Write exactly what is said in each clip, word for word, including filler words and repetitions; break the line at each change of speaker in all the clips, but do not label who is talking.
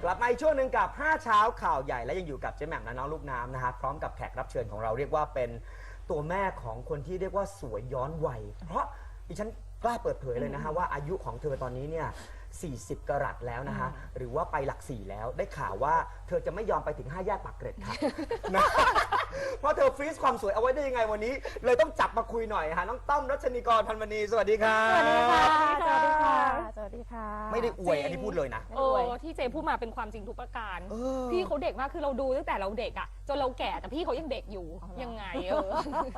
ลับมาอีกช่วงหนึ่งกับห้าเช้าข่าวใหญ่และยังอยู่กับเจ๊แหม่มและน้องลูกน้ำนะฮะพร้อมกับแขกรับเชิญของเราเรียกว่าเป็นตัวแม่ของคนที่เรียกว่าสวยย้อนวัยเพราะดิฉันกล้าเปิดเผยเลยนะฮะว่าอายุของเธอตอนนี้เนี่ยสี่สิบกรัตแล้วนะฮะหรือว่าไปหลักสี่แล้วได้ข่าวว่าเธอจะไม่ยอมไปถึงห้าแยกปากเกร็ดค่ะ นะเพราะเธอฟรีซความสวยเอาไว้ได้ยังไงวันนี้เลยต้องจับมาคุยหน่อยฮะน้องต้อมรัชนีกรพันวณีสวัสดีครับ
สวัสดีค่ะ สวัสดีค่ะ สวัสดีค่ะ
ไม่ได้อวยอันนี้พูดเลยนะ
ไม่
โอ้
อวย
ที่เจพูดมาเป็นความจริงทุกประการ
เออ
พี่เขาเด็กมากคือเราดูตั้งแต่เราเด็กอ่ะจนเราแก่แต่พี่เขายังเด็กอยู่ยังไงเออย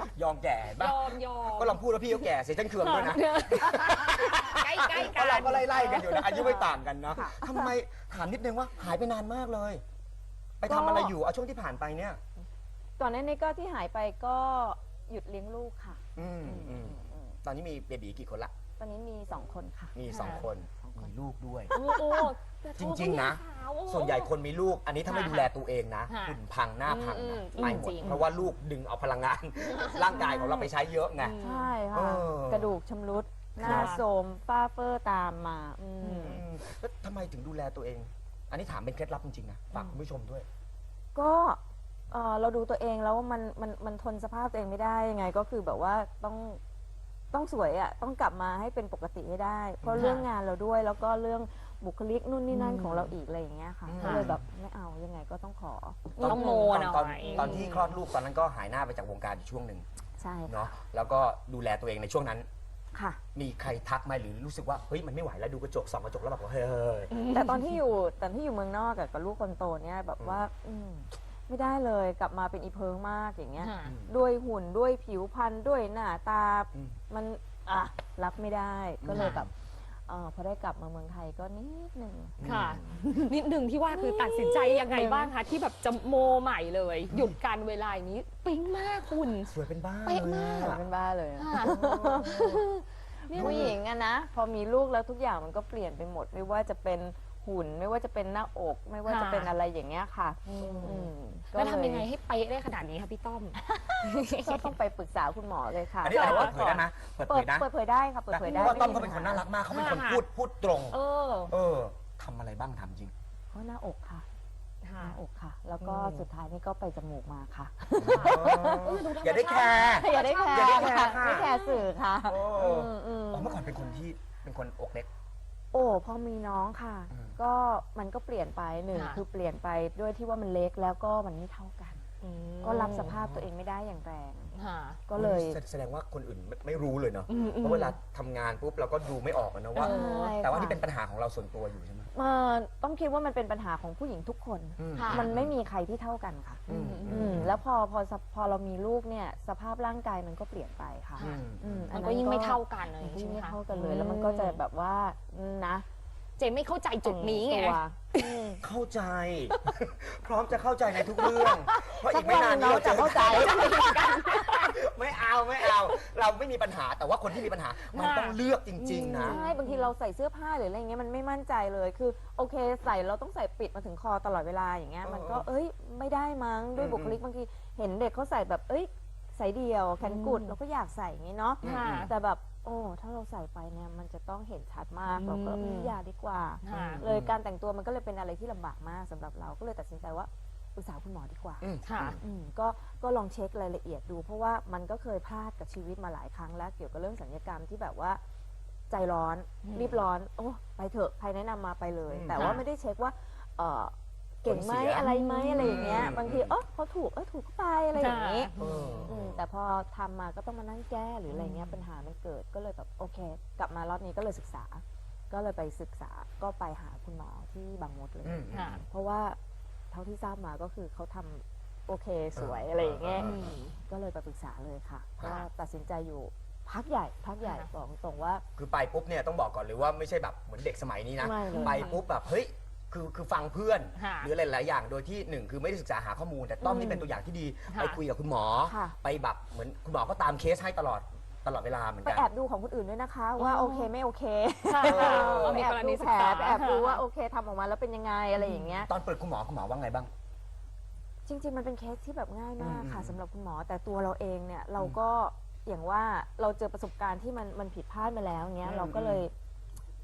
อมแก่บ้าย
อมยอม
ก็ลองพูดว่าพี่เขาแก่เสียฉันเคืองด้วยนะ
ใกล้ใกล้
เพ
กั
ราะเรา
น
ก็ไล่ๆกันอยู่นะอายุไม่ต่างกันนะทำไมถามนิดนึงว่าหายไปนานมากเลย ไปทำอะไรอยู่เอาช่วงที่ผ่านไปเนี่ย
ก่อนหน้านี้ก็ที่หายไปก็หยุดเลี้ยงลูกค่ะ
อืมอืมตอนนี้มีเบบีกี่คนละ
ตอนนี้มีสองคนค่ะ
มีสองคนมีลูกด้วย
โอ้โหแต่
จริงๆนะ
ขาวโอ้โห
ส่วนใหญ่คนมีลูก อันนี้ถ้าไม่ดูแลตัวเองนะ
ค่ะ
หุ่นพังหน้าพัง
อืม
นะ
อืม
ไปหม
จ
ด
ริง
เพราะว่าลูกดึงเอาพลังงาน ร่างกายของเราไปใช้เยอะไง
ใช่
เอ
ค่ะ
อ
กระดูกชำรุด หน้า
ค่ะ
โทรมฝ้าเฟอร์ตามมาอืม
อืมแล้วทำไมถึงดูแลตัวเอง อันนี้ถามเป็นเคล็ดลับจริงๆนะฝากคุณผู้ชมด้วย
ก็เอ่อเราดูตัวเองแล้วมันมันมันทนสภาพตัวเองไม่ได้ยังไงก็คือแบบว่าต้องต้องสวยอ่ะต้องกลับมาให้เป็นปกติให้ได้ เพราะ
ค่ะ
เรื่องงานเราด้วยแล้วก็เรื่องบุคลิกนู่นนี่นั่นของเราอีกอะไรอย่างเงี้ยค่ะ
อืม
ก็เลยแบบไม่เอายังไงก็ต้องขอ
ต้องโม
ตอน
หน่
ตอน
อย
ตอนที่คลอดลูกตอนนั้นก็หายหน้าไปจากวงการอยู่ช่วงหนึ่ง
ใช่ค่ะ
เนาะแล้วก็ดูแลตัวเองในช่วงนั้น
ค่ะ
มีใครทักไหมหรือรู้สึกว่าเฮ้ยมันไม่ไหวแล้วดูกระจกส่องกระจกแล้วแบบว่าเฮ้ย
แต่ตอนที่อยู่ตอนที่อยู่เมืองนอกกับกับลูกคนโตเนี่ยแบบว่าอืมไม่ได้เลยกลับมาเป็นอีเพิงมากอย่างเงี้ย
ค่ะ
ด้วยหุ่นด้วยผิวพรรณด้วยหน้าตา
อืม
มันอ่ะรับไม่ได้ก็เลย
ค่ะ
แบบเออพอได้กลับมาเมืองไทยก็นิดนึง
ค่ะ นิดหนึ่งที่ว่าคือตัดสินใจยังไงบ้างคะที่แบบจะโมใหม่เลย หยุดการเวลาอย่างนี้ปิ๊งมากคุณ
สวยเป็นบ้า
เป๊ะมาก
เลยอะ
เป็นบ้าเลยอะ
ค่ะ
ผู้หญิงอะนะพอมีลูกแล้วทุกอย่างมันก็เปลี่ยนไปหมด ไม่ว่าจะเป็นหุ่นไม่ว่าจะเป็นหน้าอก ไม่ว่าจะเป็นอะไรอย่างเงี้ยค่ะอืมก็
แล้ว
เย
ทำยังไงให้เป๊ะได้ขนาดนี้คะพี่ต้อม
ก็ต้องไปปรึกษาคุณหมอเลยค่ะ
อันนี้อะไร
แต่
เปิ
ว่า
ดเผยได้ไหมเปิด
เปิ
เผ
ด
ยนะ
เปิดเผยได้ค่ะเปิดเผยได้
เพราะว่าต้อมเขา
ไ
เป็นคนน่ารักมากเขาเป็นคน
ค่ะ
พูดพูดตรง
เออ
เออทำอะไรบ้างทำจริง
เพราะหน้าอกค่ะห
ค่ะ
น้าอกค่ะ แล้วก็
อืม
สุดท้ายนี่ก็ไปจมูกมาค่ะ
อย่าได้แคร์
อย่าได้แคร์
อย่าได้แคร์
ค่ะ
ค่ะ
ไม่แคร์สื่อค่ะ
โอ้
อืมอืม
อ๋อเมื่อก่อนเป็นคนที่เป็นคนอกเล็ก
โอ้พอมีน้องค่ะ
อืม
ก็มันก็เปลี่ยนไปหนึ่ง
ค่ะ
คือเปลี่ยนไปด้วยที่ว่ามันเล็กแล้วก็มันไม่เท่ากัน
อืม
ก็รับสภาพตัวเองไม่ได้อย่างแรง
ค่ะ
ก็เลย
แสแสดงว่าคนอื่นไม่ไม่รู้เลยเนาะ
อืมอืม
เพราะเวลาทำงานปุ๊บเราก็ดูไม่ออกอะนะว่า
เออ
ใช่
แต่ว่า
ค่ะ
นี่เป็นปัญหาของเราส่วนตัวอยู่ใช่ไหม
เอ่อต้องคิดว่ามันเป็นปัญหาของผู้หญิงทุกคน
อืม
ค่ะ
มันไม่มีใครที่เท่ากันค่ะ
อืม
อืมแล้วพอพอสพอเรามีลูกเนี่ยสภาพร่างกายมันก็เปลี่ยนไปค่ะ
อืม
อืมอั
มันก็ยิ่งไม่เท่ากันเลย
มันก็
ใช่
ยิ่ง
ไหม
ไม่
คะ
เท่ากันเลย แล้วมันก็จะแบบว่านะ
เจไม่เข้าใจจุดนี้ไง
ตัวอืม
เข้าใจ พร้อมจะเข้าใจในทุกเรื่อง เพราะอีกไม่นานนี้
สักวันหนึ่งเราจะเข้าใจ
ไม่เอาไม่เอา เราไม่มีปัญหาแต่ว่าคนที่มีปัญหา มันต้องเลือกจริง ๆ นะ
ใช่บางทีเราใส่เสื้อผ้าหรืออะไรเงี้ยมันไม่มั่นใจเลยคือโอเคใส่เราต้องใส่ปิดมาถึงคอตลอดเวลาอย่างเงี้ย
เออ
มันก็เอ้ยไม่ได้มั้งด้วย
อืม
บุคลิกบางทีเห็นเด็กเขาใส่แบบเอ้ยใส่เดี่ยวแขนกุด
อืม
เราก็อยากใส่อย่างงี้เนาะ
ค่ะ
แต่แบบโอ้ถ้าเราใส่ไปเนี่ยมันจะต้องเห็นชัดมาก
อืม
เราก็อืมอย่าดีกว่า
ค่ะ
เลยการแต่งตัวมันก็เลยเป็นอะไรที่ลำบากมากสำหรับเราก็เลยตัดสินใจว่าปรึกษาคุณหมอดีกว่า
อืม
ค่ะ
อืมก็ก็ลองเช็ครายละเอียดดู เพราะว่ามันก็เคยพลาดกับชีวิตมาหลายครั้งแล้วเกี่ยวกับเรื่องสัญญกรรมที่แบบว่าใจร้อน
อืม
รีบร้อนโอ้ไปเถอะใครแนะนำมาไปเลย
อืม
แต่ว่า
ค่ะ
ไม่ได้เช็คว่าเออเก่งไหม
ผลเสีย
อะไรไหมอะไรอย่างเงี้ย
อืม
บางทีเออเขาถูกเออถูกก็ไปอะไรอย่างงี้
เออ
อืมแต่พอทำมาก็ต้องมานั่งแก้หรืออะไรเงี้ย
อืม
ปัญหามันเกิดก็เลยแบบโอเค กลับมารอบนี้ก็เลยศึกษา ก็เลยไปศึกษาก็ไปหาคุณหมอที่บางมดเลย
อืม
ค่ะ
เพราะว่าเท่าที่ทราบมาก็คือเขาทำโอเคสวยอะไรอย่างเงี้ย
อืม
ก็เลยไปปรึกษาเลยค่ะ
ค่ะ
ก็ตัดสินใจอยู่พักใหญ่พักใหญ่
ค่ะ
บอกตรงว่า
คือไปปุ๊บเนี่ยต้องบอกก่อนเลยว่าไม่ใช่แบบเหมือนเด็กสมัยนี้นะ
ไม่เลย
ไปปุ๊บแบบเฮ้ยคือคือฟังเพื่อน
ค่ะ
หรือหลายๆอย่างโดยที่หนึ่งคือไม่ได้ศึกษาหาข้อมูล แต่ต้อมนี่เป็นตัวอย่างที่ดี
ค่ะ
ไปคุยกับคุณหมอ
ค่ะ
ไปแบบเหมือนคุณหมอก็ตามเคสให้ตลอดตลอดเวลาเหมือน
ไป
กัน
แอบดูของคนอื่นด้วยนะคะ ว่า
อ๋อ
โอเคไม่โอเค
ค่ะ
เออ
ไป
มี
แอบ
กร
ดู
ณี
แผ
ศึ
ล
กษา
ไปแอบดูว่าโอเคทำออกมาแล้วเป็นยังไงอะไรอย่างเงี้ย
ตอนเปิดคุณหมอคุณหมอว่าไงบ้าง
จริง ๆ มันเป็นเคสที่แบบง่ายมากค่ะ
อืม
สำหรับคุณหมอแต่ตัวเราเองเนี่ยเราก็อย่างว่าเราเจอประสบการณ์ที่มันมันผิดพลาดมาแล้วเงี้ย
อืม
เราก็เลย ไ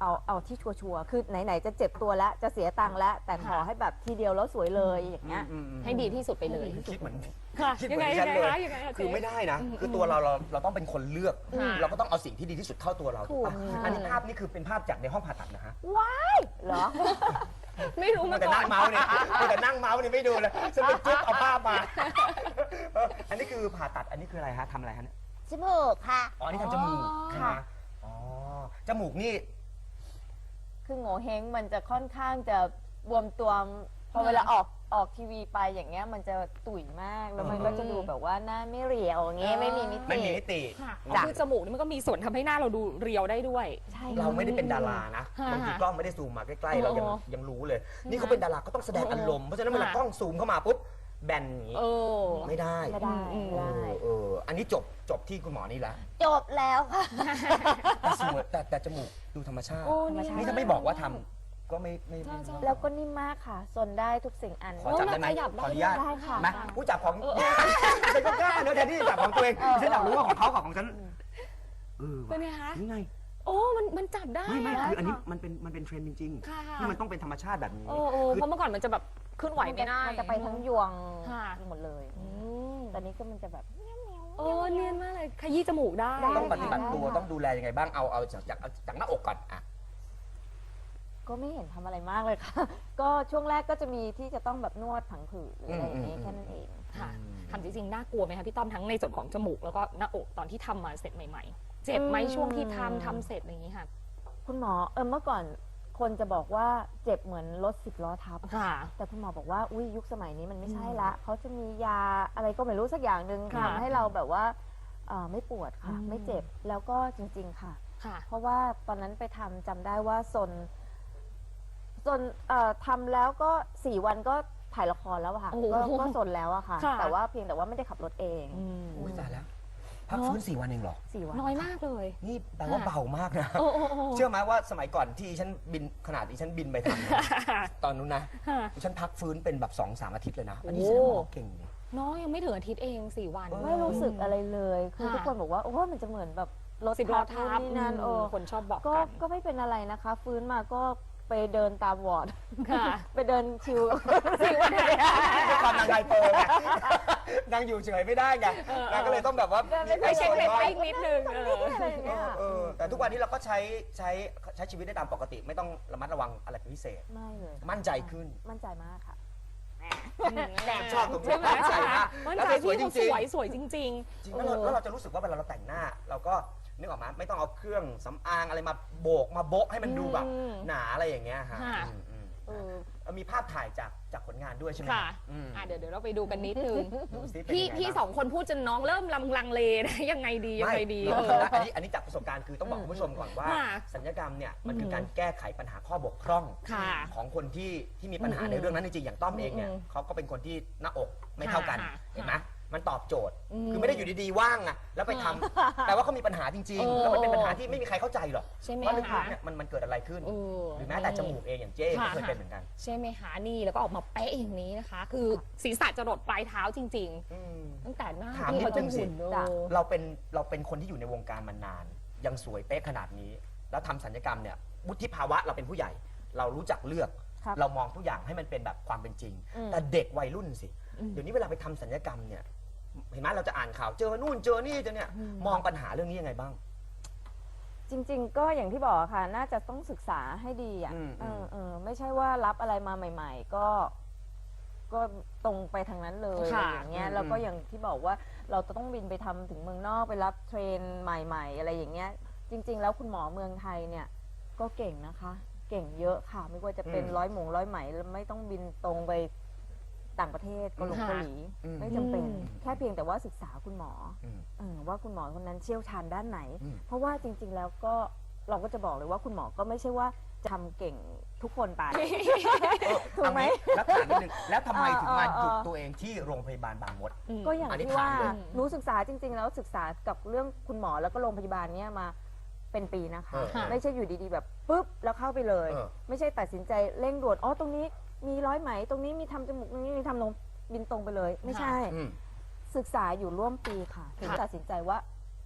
เอาเอาที่ชัวร์ๆคือไหนๆจะเจ็บตัวแล้วจะเสียตังค์แล้ว แต่ขอให้แบบทีเดียวแล้วสวยเลยอย่างเงี้ย
อืมอืม
ให้ดีที่สุดไปเลย
คิดเหมือน
ค่ะ
คิดเห
ยัง
มือน
ไง
ดิฉันเลย
คะยังไงคะ
คือ
เจ๊
ไม่ได้นะ คือตัวเราเราเราต้องเป็นคนเลือก
ค่ะ
เราก็ต้องเอาสิ่งที่ดีที่สุดเข้าตัวเราถูกปะ
ถูกค่ะ
อันนี้ภาพนี่คือเป็นภาพจากในห้องผ่าตัดนะฮะ
เหรอ
ไม่รู้
มั
มาน
แต่
ก่อ
นั่
น
งเมาส์เนี่ยมันแต่นั่งเมาส์เนี่ยไม่ดูเลยฉันไปจุ๊บเอาภาพมาเอออันนี้คือผ่าตัดอันนี้คืออะไรฮะทำอะไรฮะเนี่ย
จมูกค่ะ
อ๋ออันนี้ทำจมูก
อ๋อ
ใช่ไหมอ๋อจมูกนี่
คือโง่เฮงมันจะค่อนข้างจะบวมตัวพอเวลาออกออกทีวีไปอย่างเงี้ยมันจะตุ๋ยมากแล้วมันก็จะดูแบบว่าหน้าไม่เรียวอย่างเงี้ยไม่มีมิ
ไม่
ติ
มีมิติ
ค่ะ
จ้ะ
คือจมูกนี่มันก็มีส่วนทำให้หน้าเราดูเรียวได้ด้วย
ใช่
เราไม่ได้เป็นดารานะ
ค่ะ
บางทีกล้องไม่ได้ซูมมาใกล้ๆเรายัง
โอ้
ยังรู้เลย นี่เขาเป็นดาราก็ต้องแสดงอารมณ์เพราะฉะนั้นเวลากล้องซูมเข้ามาปุ๊บแบนอย่างนี้
เออ
ไม่ได้
ไม่ได้
อืม
ไม่
เอ
ได้
อเอออันนี้จบจบที่คุณหมอนี่แล้ว
จบแล้วค่ะ
แต่สวยแต่แต่จมูกดูธรรมชาติ
โอ้เนี่ย
นี่ถ้าไม่บอกว่าทำก็ไม่ไม่ไม่
ใช่
แล้วก็นิ่มมากค่ะซนได้ทุกสิ่งอัน
ขอจับได้ไหม
ขยับได้
ขออนุญาต
ได้ค่ะ
ไหมผู้จับของฉันก็กล้าเนอะแทนที่จะจับของตัวเองฉันอยากรู้ว่าของเขากับของฉันเออ
เป็นไงคะ
นี่ไง
โอ้มันมันจับได้
ไม่ไม่
อะ
คืออันนี้มันเป็นมันเป็นเทรนด์จริง
ค่ะ
ๆที่มันต้องเป็นธรรมชาติแบบนี้
โอ้โอ้
คือ
เพราะเมื่อก่อนมันจะแบบเคลื่อนไหวไม่ได้
มันจะไปทั้งยวง
ค่ะ
หมดเลย
อืม
ตอนนี้ก็มันจะแบบ
โอ้เนียนมากเลยขยี้จมูกได้
ได้
ต้องปฏิบัติ
ได้
ตัว
ค่ะ
ต้องดูแลยังไงบ้างเอาเอาจากจากจากหน้าอกก่อนอ่ะ
ก็ไม่เห็นทำอะไรมากเลยค่ะ ก็ช่วงแรกก็จะมีที่จะต้องแบบนวดผังผืดหรืออะไรอย่างนี้
อืม
แค่นั้นเอง
ค่ะทำจริงๆน่ากลัวไหมคะพี่ต้อมทั้งในส่วนของจมูกแล้วก็หน้าอกตอนที่ทำมาเสร็จใหม่ๆ เจ็บไหมช่วงที่ทำทำเสร็จอะไรอย่างนี้ค่ะ
คุณหมอเออเมื่อก่อนคนจะบอกว่าเจ็บเหมือนรถสิบล้อทับ
ค่ะ
แต่คุณหมอบอกว่าอุ้ยยุคสมัยนี้มันไม่ใช่ละเขาจะมียาอะไรก็ไม่รู้สักอย่างหนึ่ง
ค่ะ
ทำให้เราแบบว่าเอ่อไม่ปวดค่ะ
อืม
ไม่เจ็บแล้วก็จริง ๆ ค่ะ
ค่ะ
เพราะว่าตอนนั้นไปทำจำได้ว่าซนซนเอ่อทำแล้วก็สี่วันก็ถ่ายละครแล้วอะค่ะ
โอ้โห
ก็ก็ซนแล้วอะค่ะ
ค่ะ
แต่ว่าเพียงแต่ว่าไม่ได้ขับรถเอง
อืม
อุ้ยตายแล้ว พักฟื้นสี่วันเองเหรอ
สี่วัน
น้อยมากเลย
นี่แปลว่าเบามากนะ
โอ้โอ้โอ้
เชื่อไหมว่าสมัยก่อนที่ฉันบินขนาดที่ฉันบินไปทำนะตอนนู้นนะ
ค่ะ
ฉันพักฟื้นเป็นแบบสองสามอาทิตย์เลยนะ อันนี้
โอ้
แสดงว่าหมอเก่งนี่
น้อยยังไม่ถึงอาทิตย์เองสี่วัน
เออ
ไม่รู้สึกอะไรเลย คือ
ค่ะ
ทุกคนบอกว่าโอ้มันจะเหมือนแบบรถ
สิบล้อ
ทั
ทั
บบ นู่นนี่นั่น
อืม
โอ้
คนชอบบอก
ก็
กัน
ก็ไม่เป็นอะไรนะคะ ฟื้นมาก็ไปเดินตามวอร์ด
ค่ะ
ไปเดินชิวสี่วันเลยอะ
ด้วยความนางไฮเปอร์ไงนางอยู่เฉยไม่ได้ไงนางก็เลยต้องแบบว่า
ไปเช็คเรต
บ้าง
ติ้งนิดนึงเออ
อะไรอย่าง
เอ
เงี้ย
อเออแต่ทุกวันนี้เราก็ใช้ใช้ใช้ชีวิตได้ตามปกติ ไม่ต้องระมัดระวังอะไรเป็นพิเศษ
ไม่เลย
มั่นใจขึ้น
มั่นใจมากค่ะ
ชอบตรงนี้
ใช่ไหม
มั่นใจ
ใช่ไหม
มาก
มั่น
แล้ว
ใจ
สวย
พี่
จริง
เขาสวย
ๆ
สวยจริง
จริง
ๆ
แล้วเรา
เออ
แล้วเราจะรู้สึกว่าเวลาเราแต่งหน้า เราก็นึกออกมาไม่ต้องเอาเครื่องสำอางอะไรมาโบกมาโบะให้มันดูแบบ
อืม
หนาอะไรอย่างเงี้ยฮะ
ค่ะ
อืมอืม
เออ
เอามีภาพถ่ายจากจากผลงานด้วยใช่ไหม
ค่ะ
อืม
อ่ะเดี๋ยวเดี๋ยวเราไปดูกันนิดนึง
ดูสิเป็น
พี่
ยังไง
พี่
บ้าง
สองคนพูดจนน้องเริ่มลำลังเลนะ ยังไงดียังไงดี
ไม่
เอ
เรา
อ
อันนี้อันนี้จากประสบการณ์คือต้องบอกคุณผู้ชมก่อนว่า
ค่ะ
สัญญกรรมเนี่ยมันคือ
ม
การแก้ไขปัญหาข้อบกพร่อง
ค่ะ
ของคนที่ที่มีปัญหา
อืม
ในเรื่องนั้นจริงๆอย่างต้อมเองเนี่ย
อืม
เขาก็เป็นคนที่หน้าอกไม่เท่ากัน
ค่ะ
เห็นไหมมันตอบโจทย์
อืม
คือไม่ได้อยู่ดีๆว่างอะแล้วไปทำแต่ว่าเขามีปัญหาจริง
เออ
ๆ แล้วมันเป็นปัญหาที่ไม่มีใครเข้าใจหรอก
ใช่ไหม
ว่าลึก
คะ
ๆเนี่ยมันมันเกิดอะไรขึ้น
เออ
หรือแม้แต่จมูกเองอย่างเจ้ก็เคยเป็นเหมือนกัน
ใช่ไหมคะนี่แล้วก็ออกมาเป๊ะอย่างนี้นะคะ คือศีรษะจะรดปลายเท้าจริง
อืม
ๆ ตั้งแต่หน้า
ถาม
ที่
นิ
เขา
ด
จะ
นึงสิ
หุ่นเน
จ้ะ
อะ
เราเป็นเราเป็นคนที่อยู่ในวงการมานาน ยังสวยเป๊ะขนาดนี้ แล้วทำศัลยกรรมเนี่ยวุฒิภาวะเราเป็นผู้ใหญ่ เรารู้จักเลือก
ครับ
เรามองทุกอย่างให้มันเป็นแบบความเป็นจริง
อืม
แต่เด็กวัยรุ่นสิ
อืม
เดี๋ยวนี้เวลาไปทำศัลยกรรมเนี่ยเห็นไหมเราจะอ่านข่าวเจอนู่นเจอนี่เจอเนี่ย
อืม
มองปัญหาเรื่องนี้ยังไงบ้าง
จริง ๆ ก็อย่างที่บอกค่ะ น่าจะต้องศึกษาให้ดีอ่ะ
อืม
เออเออไม่ใช่ว่ารับอะไรมาใหม่ ๆ ก็ ก็ตรงไปทางนั้นเลย
ค่ะ
อย่างเงี้ย
อืม
แล้วก็อย่างที่บอกว่าเราจะต้องบินไปทำถึงเมืองนอกไปรับเทรนใหม่ ๆ อะไรอย่างเงี้ย จริง ๆ แล้วคุณหมอเมืองไทยเนี่ย ก็เก่งนะคะ เก่งเยอะค่ะ ไม่ว่าจะเป็นร้อยหมงร้อยไหมแล้วไม่ต้องบินตรงไปต่างประเทศเกาหลี
ค่ะ
เกาหลี
อืม
ไม่จำเป็น
อืม
แค่เพียงแต่ว่าศึกษาคุณหมอ
อืม
เออว่าคุณหมอคนนั้นเชี่ยวชาญด้านไหน
อืม
เพราะว่าจริง ๆ แล้วก็เราก็จะบอกเลยว่าคุณหมอก็ไม่ใช่ว่าจะทำเก่งทุกคนไป
เออ
ถูกไหม
เอางี้แล้วถามนิดนึงแล้วทำไมถึงมา
เออเออ
หยุดตัวเองที่โรงพยาบาลบางมด
ม
ก็อย่าง
อันนี้
ที่ว่า
ถามเลย
หนูศึกษาจริง ๆ แล้วศึกษากับเรื่องคุณหมอแล้วก็โรงพยาบาลเนี้ยมาเป็นปีนะคะ
เออเออ
ไม่ใช่อยู่ดีๆแบบปุ๊บแล้วเข้าไปเลย
เออ
ไม่ใช่ตัดสินใจเร่งด่วนอ๋อตรงนี้มีร้อยไหม ตรงนี้มีทำจมูกตรงนี้มีทำนมบินตรงไปเลย ไม่ใช่
อืม
ศึกษาอยู่ร่วมปีค่ะถึง
ค่ะ
ตัดสินใจว่า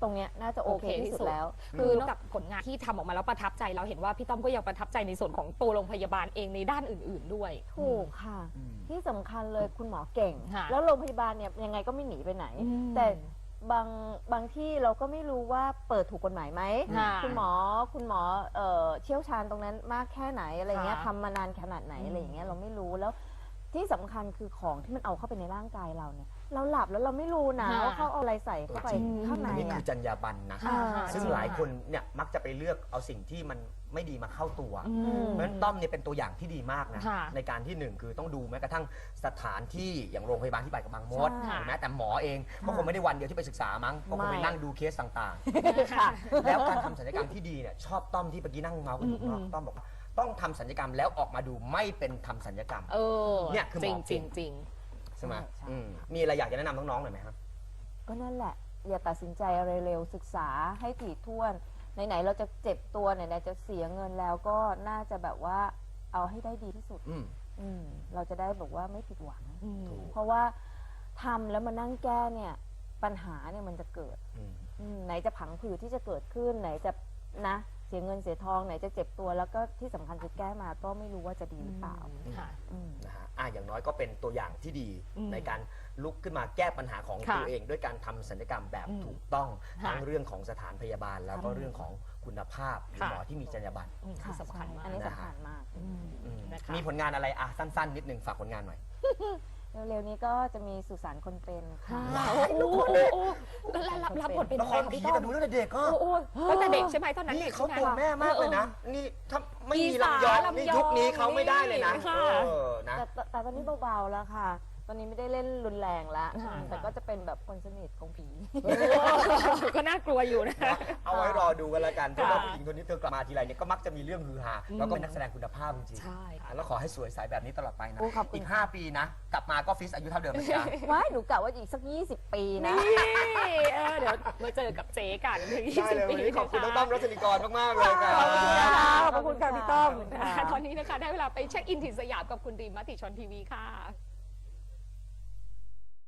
ตรงเนี้ยน่าจะโอเคที่สุดแล้ว
คือนอกจากผลงานที่ทำออกมาแล้วประทับใจเราเห็นว่าพี่ต้อมก็ยังประทับใจในส่วนของตัวโรงพยาบาลเองในด้านอื่น ๆด้วย
ถูกค่ะ
อืม
ที่สำคัญเลยคุณหมอเก่ง
ค่ะ
แล้วโรงพยาบาลเนี่ยยังไงก็ไม่หนีไปไหน
อืม
แต่บางบางที่เราก็ไม่รู้ว่าเปิดถูกกฎหมายไหม
ค่ะ
คุณหมอคุณหมอเอ่อเชี่ยวชาญตรงนั้นมากแค่ไหนอะไรเงี้ย
ค่ะ
ทำมานานขนาดไหน
อืม
อะไรอย่างเงี้ยเราไม่รู้แล้วที่สำคัญคือของที่มันเอาเข้าไปในร่างกายเราเนี่ยเราหลับแล้วเราไม่รู้นะ
ค่ะ
ว่าเขาเอาอะไรใส่เข้าไป
จริง
ข้างใน
อันนี้คื
อ่ะ
อจรรยาบรรณนะ
ค่ะ
อ่า
ซึ่งหลายคนเนี่ยมักจะไปเลือกเอาสิ่งที่มันไม่ดีมาเข้าตัว
อืม
เพราะฉะนั้นต้อมเนี่ยเป็นตัวอย่างที่ดีมากนะ
ค่ะ
ในการที่หนึ่งคือต้องดูแม้กระทั่งสถานที่อย่างโรงพยาบาลที่ไปกับบางมด
ใช่
หรือแม้แต่หมอเองก็คงไม่ได้วันเดียวที่ไปศึกษามั้งก็คงไป
ไม่
นั่งดูเคสต่าง
ค่ะ
ๆ แล้วการทำศัลยกรรมที่ดีเนี่ยชอบต้อมที่เมื่อกี้นั่งเมาส์กันอยู่ข้างนอก
อืม
ต้อมบอกว่าต้องทำศัลยกรรมแล้วออกมาดูไม่เป็นทำศัลยกรรม
เออ
เนี่ยคือหมอ
จริง
เก่
จริ
ง
งจริง
ใช่ไหม
ใช่
อืมมีอะไรอยากจะแนะนำน้องๆหน่อยไหมครับ
ก็นั่นแหละ อย่าตัดสินใจอะไรเร็วศึกษาให้ถี่ถ้วนไหนๆเราจะเจ็บตัวไหนๆจะเสียเงินแล้วก็น่าจะแบบว่าเอาให้ได้ดีที่สุด
อืม
อืมเราจะได้แบบว่าไม่ผิดหวัง
อืม
ถูก
เพราะว่าทำแล้วมานั่งแก้เนี่ยปัญหาเนี่ยมันจะเกิด
อืม
อืมไหนจะผังผืดที่จะเกิดขึ้นไหนจะนะเสียเงินเสียทองไหนจะเจ็บตัวแล้วก็ที่สำคัญคือแก้มาก็ไม่รู้ว่าจะดีหรือเปล่า
ค่ะ
อืม
นะฮะอ่ะอย่างน้อยก็เป็นตัวอย่างที่ดี
อืม
ในการลุกขึ้นมาแก้ปัญหาของ
ค่ะ
ตัวเอง ด้วยการทำศัลยกรรมแบบ
อืม
ถูกต้อง
ค่ะ
ทั้งเรื่องของสถานพยาบาลแล้วก็
ค่ะ
เรื่องของคุณภาพหรือ
ค่ะ
หมอที่มีจรรยาบรรณ
อืม
ค่ะ
สำคัญมาก
อันนี้
นะ
สำ
ฮะ
คัญมาก
อืม
อืม
นะคะ
มีผลงานอะไรอ่ะสั้นๆ นิดนึงฝากผลงานหน่อย
เร็วๆนี้ก็จะมีสุสานคนเป็นค่ะ
ค่ะโอ้โหโอ้โหแล้วรับบรับบทเป็น
ละ
อะ
ค
ไร
ร
คะ
ผี
พี่ต้
แต่
อม
ดูตั้งแต่เด็กก็
โอ้โหตั้งแต่เด็กใช่ไหมตอนนั้น
นี่
ด็ก
เขา
ใช่ไห
ตัวแม่มากเลยนะ นี่ถ้าไม่มีลำยอง
ลำยอง
นี่ยุคนี้เขาไม่ได้เลยนะ
ค่ะ
เออนะ
แต่แต่แต่ตอนนี้เบาๆแล้วค่ะ ตอนนี้ไม่ได้เล่นรุนแรงแล้ว
ค่ะ
แต่ก็จะเป็นแบบคนสนิทของผี
ก็น่ากลัวอยู่นะ
เอาไว้รอดูกันแล้วกันเพราะว่า
ค่ะ
ผู้หญิงคนนี้เธอกลับมาทีไรเนี่ยก็มักจะมีเรื่องฮือฮา
อืม
แล้วก็เป็นนักแสดงคุณภาพจริงๆ
ใช่ค่ะ
แล้วขอให้สวยใสแบบนี้ตลอดไปนะ
โอ้ขอบคุณ
อีก ห้า ปีนะ กลับมาก็ฟิสอายุเท่าเดิมนะจ๊ะ
ว้ายหนูกะว่าอีกสักยี่สิบปีนะ
นี่เออเดี๋ยวมาเจอกับเจ๊กันถึงยี่
ได้
สิบ
เลย
ปี
วันนี้ขอบคุณน้อง
นะะ
ต้อมรัชนิกรมากๆเลยครับ
ขอบคุณค่ะขอบคุณค่ะพี่ต้อม
ตอนนี้นะคะได้เวลาไปเช็คอินถิ่นสยามกับคุณดีมมติชนทีวีค่ะ